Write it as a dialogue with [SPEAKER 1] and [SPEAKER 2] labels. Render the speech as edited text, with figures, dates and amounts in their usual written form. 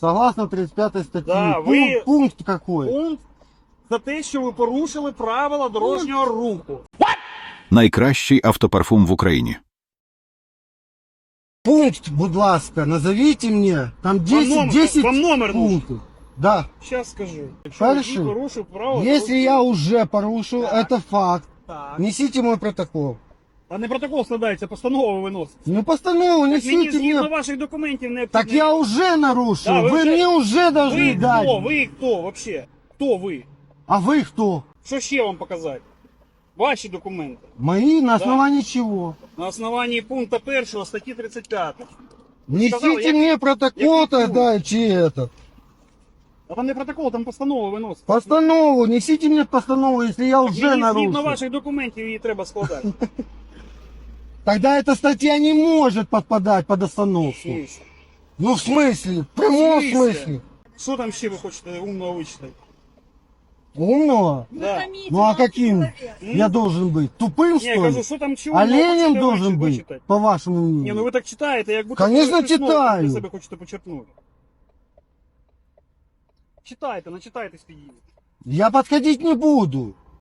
[SPEAKER 1] Согласно 35 статьи.
[SPEAKER 2] Да, ви-
[SPEAKER 1] Пункт какой?
[SPEAKER 2] Пункт за те, що ви порушили правила дорожнього руху.
[SPEAKER 3] Найкращий автопарфум в Україні.
[SPEAKER 1] Пункт, будь ласка, назовите мне. Там 10
[SPEAKER 2] вам номер нужен.
[SPEAKER 1] пунктов. Да.
[SPEAKER 2] Зараз скажу. Якщо
[SPEAKER 1] Хорошо.
[SPEAKER 2] водій порушив правила
[SPEAKER 1] Если
[SPEAKER 2] дорожнього
[SPEAKER 1] я
[SPEAKER 2] руху.
[SPEAKER 1] уже порушил,
[SPEAKER 2] Так.
[SPEAKER 1] это факт.
[SPEAKER 2] Так.
[SPEAKER 1] Несите мой протокол.
[SPEAKER 2] А не протокол складається, постанова виносить.
[SPEAKER 1] Ну постанову
[SPEAKER 2] Мені
[SPEAKER 1] несите
[SPEAKER 2] згідно
[SPEAKER 1] мне.
[SPEAKER 2] ваших документів необхідно.
[SPEAKER 1] Так я уже нарушил.
[SPEAKER 2] Да,
[SPEAKER 1] вы мне уже должны
[SPEAKER 2] Ви
[SPEAKER 1] дать.
[SPEAKER 2] хто? Ви хто вообще? Хто ви?
[SPEAKER 1] А вы кто?
[SPEAKER 2] Що ще вам показати? Ваші документи.
[SPEAKER 1] Мои на основании чего?
[SPEAKER 2] На основанні пункту 1 статті 35.
[SPEAKER 1] Несите
[SPEAKER 2] сказал, я-
[SPEAKER 1] мне протокол
[SPEAKER 2] я
[SPEAKER 1] тогда, чи этот.
[SPEAKER 2] А там не протокол, там постанова виносить.
[SPEAKER 1] Постанову, несите мне постанову, если я уже
[SPEAKER 2] Мені
[SPEAKER 1] нарушил.
[SPEAKER 2] згідно ваших документів її треба складати.
[SPEAKER 1] Тогда эта статья не может подпадать под остановку. Ну в смысле? В прямом
[SPEAKER 2] В смысле?
[SPEAKER 1] смысле?
[SPEAKER 2] Що там ще ви хочете умного вичитати?
[SPEAKER 1] Умного?
[SPEAKER 2] Да.
[SPEAKER 1] Ну а каким я должен быть? Тупым,
[SPEAKER 2] Ні,
[SPEAKER 1] что
[SPEAKER 2] я кажу,
[SPEAKER 1] ли?
[SPEAKER 2] що там чи умного
[SPEAKER 1] Оленем
[SPEAKER 2] хочете
[SPEAKER 1] должен быть,
[SPEAKER 2] вичитати?
[SPEAKER 1] по вашему
[SPEAKER 2] Ні,
[SPEAKER 1] мнению?
[SPEAKER 2] ну ви так читаєте, як будто
[SPEAKER 1] Конечно,
[SPEAKER 2] щось нове
[SPEAKER 1] читаю.
[SPEAKER 2] для себе хочете почерпнути. Читайте, начитайтесь тоді.
[SPEAKER 1] Я подходить не буду.